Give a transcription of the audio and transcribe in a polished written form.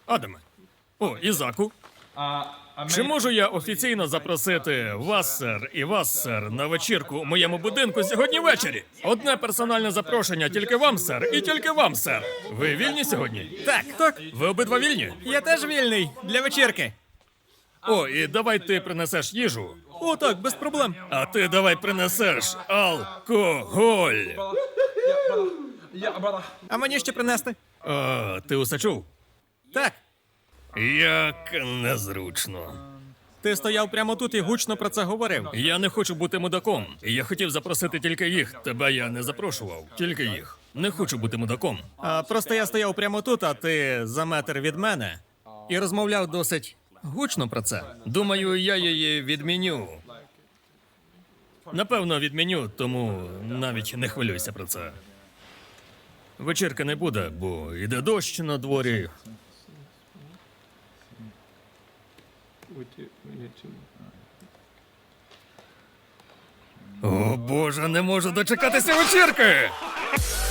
Адаме. О, Ізаку. Чи можу я офіційно запросити вас, сер, і вас, сер, на вечірку у моєму будинку сьогодні ввечері? Одне персональне запрошення тільки вам, сер, і тільки вам, сер. Ви вільні сьогодні? Так. Ви обидва вільні? Я теж вільний для вечірки. О, і давай ти принесеш їжу. О, так, без проблем. А ти давай принесеш алкоголь. А мені ще принести? Ти усе чув? Так. Як незручно. Ти стояв прямо тут і гучно про це говорив. Я не хочу бути мудаком. Я хотів запросити тільки їх. Тебе я не запрошував. Тільки їх. Не хочу бути мудаком. Просто я стояв прямо тут, а ти за метр від мене. І розмовляв досить гучно про це. Думаю, я її відміню. Напевно, відміню, тому навіть не хвилюйся про це. Вечірки не буде, бо йде дощ на дворі. О, Боже, не можу дочекатися вечірки!